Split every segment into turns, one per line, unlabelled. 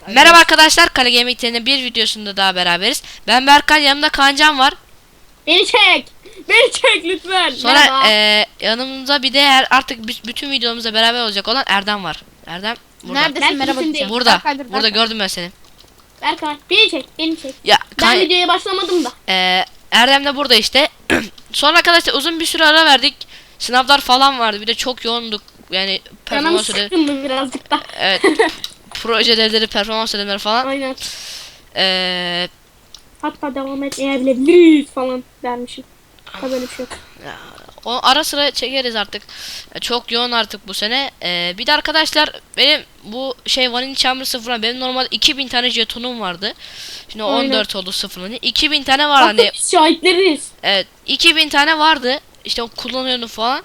Merhaba arkadaşlar, Kale Gaming'in bir videosunda daha beraberiz. Ben Berkay, yanımda Kaancan var.
Beni çek. Beni çek lütfen.
Sonra yanımızda bir de artık bütün videomuzda beraber olacak olan Erdem var. Erdem burada.
Neredesin? Merhaba diyeceğim.
Burada.
Berkay'dır,
Burada
Berkay.
gördüm ben seni.
Berkay beni çek. Beni çek.
Ya
Ben videoya başlamadım da.
Erdem de burada işte. Sonra arkadaşlar uzun bir süre ara verdik. Sınavlar falan vardı. Bir de çok yoğunduk. Yani
Canım
performans ödevi.
sıkkındı birazcık da.
Evet. Proje ödevleri, performans ödevleri falan.
Aynen.
Eee
Hatta devam etmeyebiliriz falan dermişim. Tabii böyle bir şey yok.
O ara sıra çekeriz artık. Çok yoğun artık bu sene. Bir de arkadaşlar benim bu Vanilla Chamber sıfırlan benim normalde 2000 tane jetonum vardı. Şimdi
Aynen.
14 oldu sıfırlanı. 2000 tane var
Hatta
hani.
biz şahitleriz.
Evet, 2000 tane vardı. İşte o kullanıyordum falan.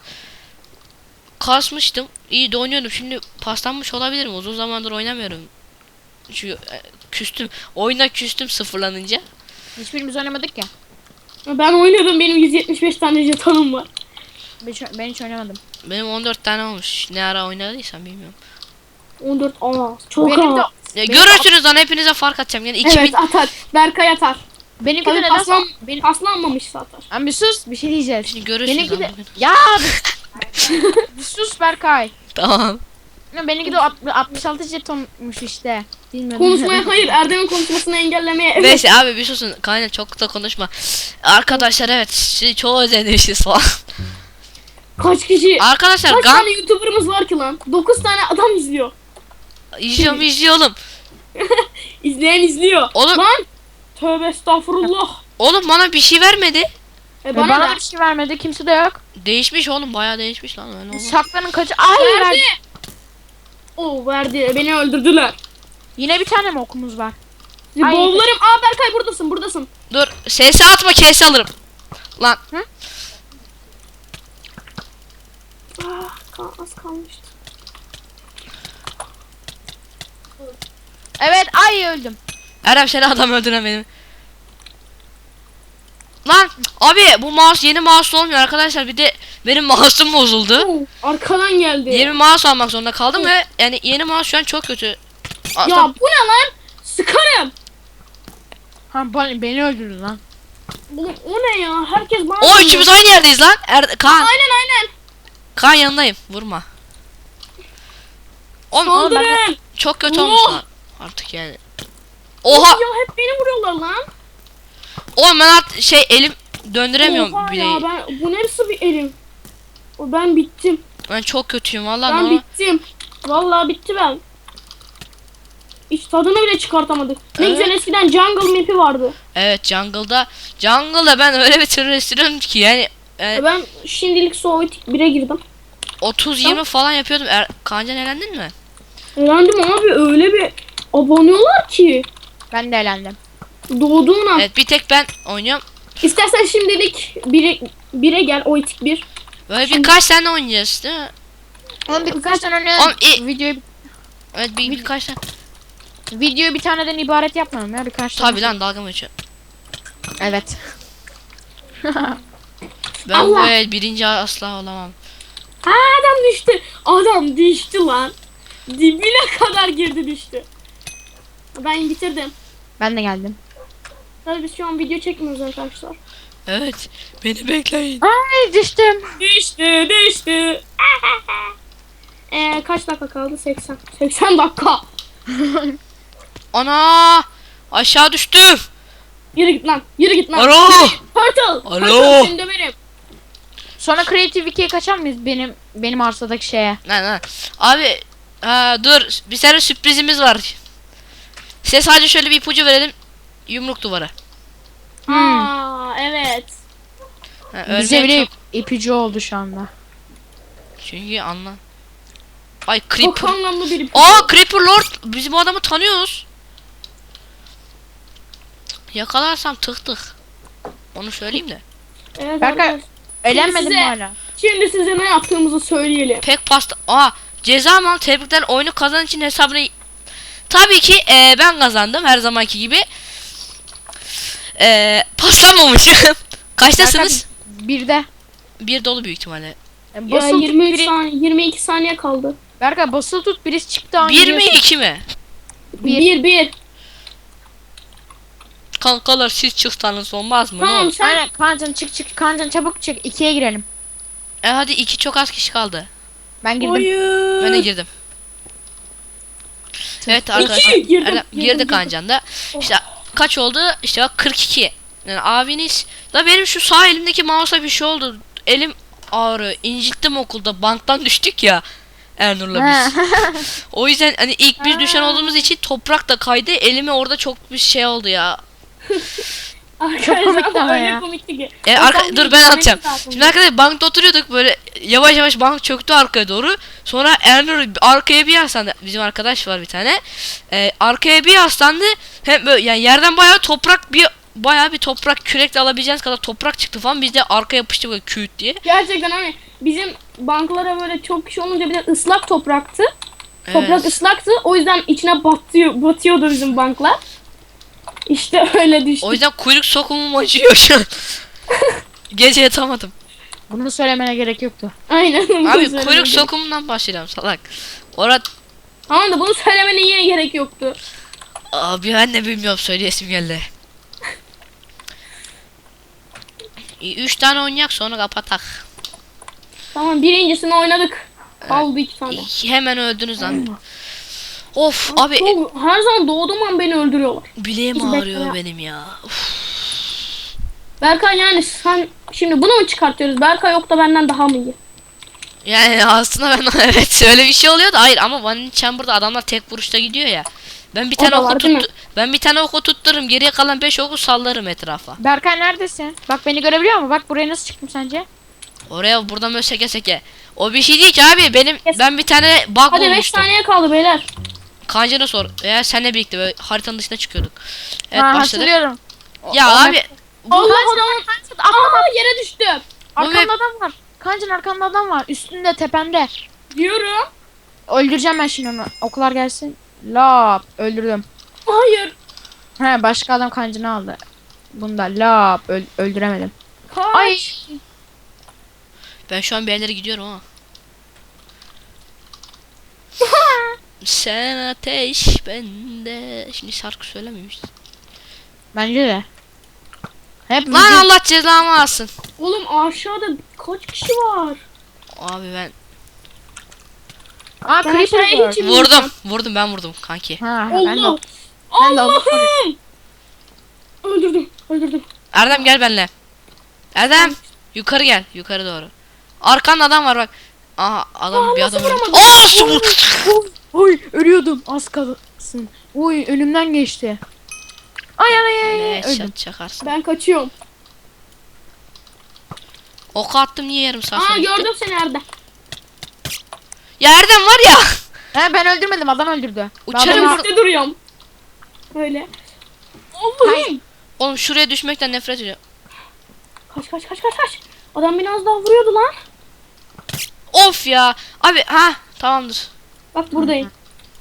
Kasmıştım. İyi de oynuyordum. Şimdi paslanmış olabilirim. Uzun zamandır oynamıyorum. Çünkü küstüm. Oyuna küstüm sıfırlanınca.
Hiçbirimiz oynamadık ya.
Ben oynadım. Benim 175 tane jetonum var.
Ben hiç oynamadım.
Benim 14 tane olmuş. Ne ara oynadıysam bilmiyorum.
14 çok
Benim de
az.
Ya görürsünüz lan, hepinize fark atacağım. Yani 2000
Evet atar. Berkay atar.
benimki de
Tabii
neden benim
paslanmamışsa atar.
Abi bir sus, bir şey diyeceğiz.
Şimdi görürsünüz
Benimki de
lan bugün.
ya bir sus Berkay.
Tamam.
Ya benimki de 66 jetonmuş işte. Bilmiyorum.
Konuşmaya hayır. Erdem'in konuşmasını engellemeye evet.
Neyse abi bir susun. Kaynak çok da konuşma. Arkadaşlar evet sizi çok özlemişiz falan.
Kaç kişi?
Arkadaşlar
Kaç
Gam
tane YouTuber'ımız var ki lan? 9 tane adam izliyor.
izliyorum.
İzleyen izliyor.
Oğlum-
Lan. Tövbe estağfurullah.
Oğlum bana bir şey vermedi.
Bana,
Bana
da.
da bir şey vermedi, kimse de yok.
Değişmiş oğlum, bayağı değişmiş lan. Öyle olmaz.
Saklanın kaçı. Ay
Verdi.
verdi.
O verdi. Beni öldürdüler.
Yine bir tane mi okumuz var? Ay.
Boğularım. Aa Berkay buradasın. Buradasın.
Dur ses atma, kes alırım. Lan
Az kalmıştı.
Evet, ay öldüm.
Erdem seni adam öldüremedim. Lan abi bu mouse yeni mouse olmuyor arkadaşlar, bir de benim mouse'um bozuldu.
Oo, arkadan geldi.
Yeni mouse almak zorunda kaldım ve yani yeni mouse şu an çok kötü.
Ya
Aslında
bu ne lan? Sıkarım.
Ha beni öldürdü lan.
Oğlum o ne ya? Herkes bana
o
vuruyor.
üçümüz aynı yerdeyiz lan. Kaan.
Aynen.
Kaan yanındayım. Vurma. Oğlum
Saldırın.
çok kötü
Oh.
olmuş lan. Artık yani. Oha.
Ya hep beni vuruyorlar lan.
Oğlum ben artık elim döndüremiyorum
Oha
bile.
ya bu neresi bir elim? Ben bittim.
Ben çok kötüyüm vallahi.
Ben
normal.
bittim. Vallahi bitti ben. Hiç tadını bile çıkartamadık. Ne
Evet.
güzel eskiden jungle map'i vardı.
Evet jungle'da ben öyle bir türlü sürüyorum ki yani
Ben şimdilik Sovyet 1'e girdim.
30-20 falan yapıyordum. Kaancan elendin mi?
Eğlendim abi öyle bir abanıyorlar ki.
Ben de elendim.
Doğduğun an.
Evet bir tek ben oynuyorum.
İstersen şimdilik 1'e gel o itik 1.
Böyle birkaç tane oynayacağız değil mi?
Oğlum birkaç tane
Oğlum,
önce
Evet birkaç tane.
videoyu bir taneden ibaret yapmam ya, birkaç tane.
Tabi lan, dalga mı geçiyorsun?
Evet.
Ben
Allah.
böyle birinci asla olamam.
Adam düştü. Adam düştü lan. Dibine kadar girdi düştü. Ben bitirdim.
Ben de geldim.
Tabii biz şu an video çekmiyoruz arkadaşlar.
Evet beni bekleyin.
Ay düştüm.
Düştü. Kaç dakika kaldı? 80. 80 dakika.
Ana aşağı düştüm.
Yürü git lan.
Alo.
Turtle.
Alo.
Turtle seni döverim.
Sonra Creative 2'ye kaçar mıyız benim arsadaki şeye?
Lan. Abi dur, bir tane sürprizimiz var. Size sadece şöyle bir ipucu verelim. Yumruk duvara.
Aa evet.
Bize
Örneğin
bile
çok...
ipucu oldu şu anda.
Çünkü anla. Ay
Çok
Creeper.
anlamlı bir
Creeper Lord. Bizim o adamı tanıyoruz. Yakalarsam tık. Onu söyleyeyim de.
Evet,
Berkay,
arkadaşlar.
elenmedim
size-
hala.
Şimdi size ne yaptığımızı söyleyelim.
Pek pasta. Ceza mı? Tebrikler, oyunu kazan için hesabını. Tabii ki ben kazandım her zamanki gibi. Paslanmamışım. Kaçtasınız?
Bir de.
Bir dolu büyük ihtimalle.
Ya
Basılı tut
23
biri.
saniye, 22 saniye kaldı.
Berkay basılı tut, birisi çıktı.
1 mi 2 mi?
1.
Kankalar siz çıksanız olmaz mı? Ne
Tamam
olur?
sen.
Aynen Kaancan çık. Kaancan çabuk çık. 2'ye girelim.
Hadi 2 çok az kişi kaldı.
Ben girdim.
Hayır.
Ben de girdim. Evet arkadaşlar.
İki, girdim,
Erdem
girdim,
girdi
girdim.
Kancan da. İşte kaç oldu? İşte bak 42. Yani abiniz da benim şu sağ elimdeki mouse'a bir şey oldu. Elim ağrıyor. İncittim okulda. Banktan düştük ya. Ernur'la biz. O yüzden hani ilk biz düşen olduğumuz için toprak da kaydı. Elime orada çok bir şey oldu ya.
Arkadaşlar
komikti ama
öyle
ya.
komikti ki.
Dur ben anlatacağım. Şimdi arkadaşlar bankta oturuyorduk böyle yavaş yavaş bank çöktü arkaya doğru. Sonra Ernur arkaya bir yaslandı. Bizim arkadaş var bir tane. Arkaya bir yaslandı. Hem böyle yani yerden bayağı bir toprak kürekle alabileceğiniz kadar toprak çıktı falan. Biz de arkaya yapıştık böyle küt diye.
Gerçekten hani bizim banklara böyle çok kişi olunca bir de ıslak topraktı. Toprak
Evet.
ıslaktı. O yüzden içine batıyordu bizim banklar. İşte öyle düştü.
O yüzden kuyruk sokumum acıyor şu an. Gece yatamadım.
Bunu söylemene gerek yoktu.
Aynen. bunu
Abi
söylemeye
kuyruk
gerek-
sokumundan başlayalım salak. Orada
Tamam da bunu söylemene yine gerek yoktu.
abi ben de bilmiyorum söyleyesim geldi. 3 tane oynayak sonra kapatak.
Tamam birincisini oynadık. Kaldı 2 tane.
Hemen öldünüz lan. Of abi
Her zaman doğduğum an beni öldürüyorlar.
bileğim
Hiç
ağrıyor
bekle.
benim ya. Uf.
Berkay yani sen şimdi bunu mu çıkartıyoruz? Berkay yok da benden daha mı iyi?
Yani aslında ben evet öyle bir şey oluyor da hayır ama Vanilla Chamber'da adamlar tek vuruşta gidiyor ya. Ben bir
O
tane
da
oku
var, değil mi?
ben bir tane oku tuttururum geriye kalan 5 oku sallarım etrafa.
Berkay neredesin? Bak beni görebiliyor musun? Bak buraya nasıl çıktım sence?
Oraya buradan böyle seke seke. O bir şey değil ki abi
Kes.
ben bir tane bug
Hadi 5
bulmuştum.
saniye kaldı beyler.
Kancana sor. Eğer seninle birlikte böyle haritanın dışına çıkıyorduk. Evet
Ha,
başladık.
hatırlıyorum.
Ya
O-
abi
Allah adamın. Aa yere düştüm.
Arkanda adam var. Kaancan arkanda adam var. Üstünde tepende.
Diyorum.
Öldüreceğim ben şimdi onu. Okular gelsin. Lap. Öldürdüm.
Hayır.
He başka adam kancını aldı. Bunda lap. Öldüremedim.
Kaç.
Ay.
ben şu an bir yerlere gidiyorum ama. Sen ateş bende. Şimdi şarkı söylememiş.
Bence de. Hep
Lan
müzik-
Allah cezamı alsın.
Oğlum aşağıda kaç kişi var?
Abi ben
Aa
Ben
creeper
aşağıya
var.
hiç inmeyeceğim.
ben vurdum kanki.
Ha, ben de.
Allah.
Ben de
Allah'ım. Öldürdüm.
Erdem gel benimle. Erdem yukarı gel yukarı doğru. Arkanda adam var bak. Aha adam bir
nasıl
adam öldü.
vuramadım?
Oy ölüyordum az kalsın. Oy önümden geçti. Ay
Ne
öldüm.
şat çakarsın.
Ben kaçıyorum.
Ok attım niye yarım saat
Aa
sonra gitti?
gördüm seni Erdem.
Ya Erdem var ya.
He ben öldürmedim adam öldürdü.
Uçarım
Ben
vur-
adamı-
Üstte duruyorum. Öyle. Allah'ım.
Oğlum şuraya düşmekten nefret ediyorum.
Kaç. Adam beni az daha vuruyordu lan.
Of ya. Abi ha tamamdır.
Bak buradayım.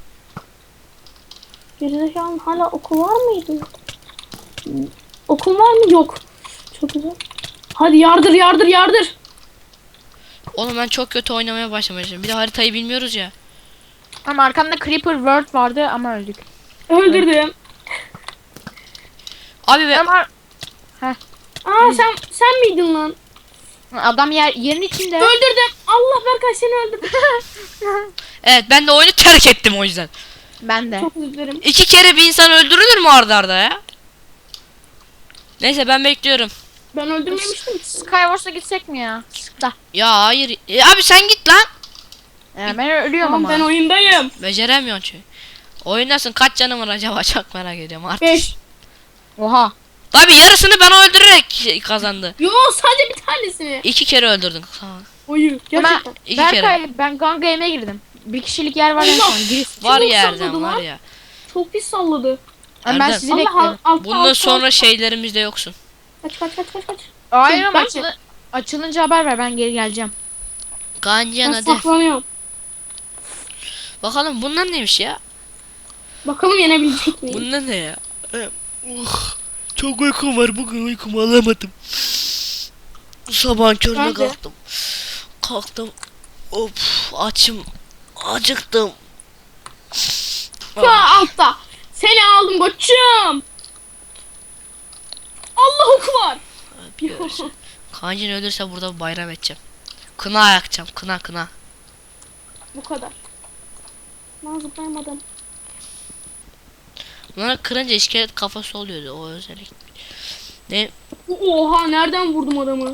Gerizekalı hala okul var mıydı? Okul var mı? Yok. Çok güzel. Hadi yardır.
Oğlum ben çok kötü oynamaya başlamışım. Bir de haritayı bilmiyoruz ya.
Ama arkamda creeper world vardı ama öldük.
Öldürdüm.
Abi be,
Ama
Aa sen miydin lan?
adam yerin içinde.
Öldürdüm. Allah Berkay seni öldürdüm.
evet ben de oyunu terk ettim o yüzden.
Ben de.
Çok özür dilerim.
2 kere bir insan öldürülür mü arda arda ya? Neyse ben bekliyorum.
Ben öldürmemiştim.
Skywars'a gitsek mi ya? Da.
Ya hayır. Abi sen git lan.
Ben ölüyorum
Tamam
ama.
ben oyundayım.
Beceremiyorsun çünkü. Oyundasın kaç canım var acaba çok merak ediyorum artık.
5.
Oha.
Tabi yarısını ben öldürerek kazandı.
Yo sadece bir tanesini.
2 kere öldürdün.
Oyu gerçekten.
Ben,
İki kere.
Berkay ben Gun Game'e girdim. Bir kişilik yer var en
Allah.
son. Gir.
Var
Çok
ya
salladı
Erdem var
lan.
ya.
Çok pis salladı.
Ben
Erdem.
sizi
Allah
bekliyorum.
altta.
Bundan sonra şeylerimizde yoksun.
Kaç.
Hayır ama
Bence-
açılınca haber ver ben geri geleceğim.
Gancan
Ben
hadi.
saklanıyorum.
Bakalım bunlar neymiş ya?
Bakalım yenebilecek miyim?
Bunlar ne ya? Çok uykum var bugün uykumu alamadım. Sabahın körüne
Ben de.
kalktım. Kalktım. Of açım. Acıktım.
Şu an altta. Koçum koçum. Allah oku var.
Bir ölse. Kancın ölürse burada bayram edeceğim. Kına yakacağım. Kına.
Bu kadar. Ben zıplayamadım.
Bunları kırınca iskelet kafası oluyordu o özellik. Ne?
Oha nereden vurdum adamı?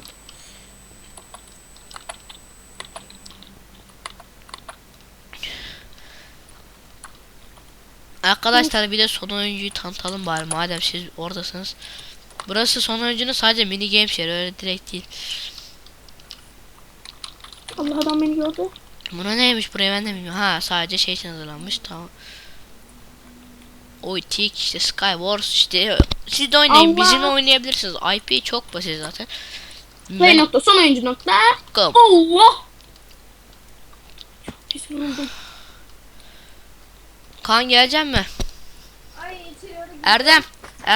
Arkadaşlar bir de son oyuncuyu tanıtalım bari madem siz oradasınız. Burası son oyuncunun sadece mini game yeri öyle direkt değil.
Allah adam beni gördü.
Buna neymiş buraya ben de bilmiyorum. Ha sadece şey için hazırlanmış tamam. Oy tik işte Skywars işte siz de oynayın
Allah.
bizimle oynayabilirsiniz. IP çok basit zaten.
Play nokta son oyuncu nokta.
Go.
Allah. Çok pis vuruldum.
Kaan gelecek mi? Erdem.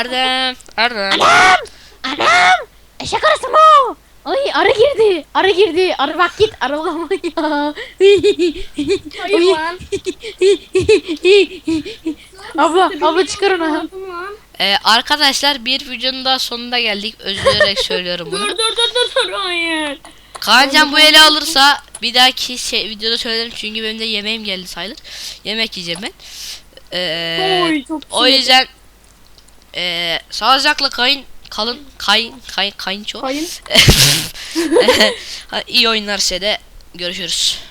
Anam! Eşek arısı mı o? Ay arı girdi. Arı bak git aralama ya.
Hayır lan.
abla çıkar onu.
Arkadaşlar bir videonun daha sonuna geldik. Özür dilerim söylüyorum bunu.
Dur hayır.
Kaancan bu ele alırsa bir dahaki videoda söylerim çünkü benim de yemeğim geldi sayılır. Yemek yiyeceğim ben.
Oy çok
O
sinir.
yüzden sağlıcakla kalın kayınço.
Kayın.
İyi oyunlar size de görüşürüz.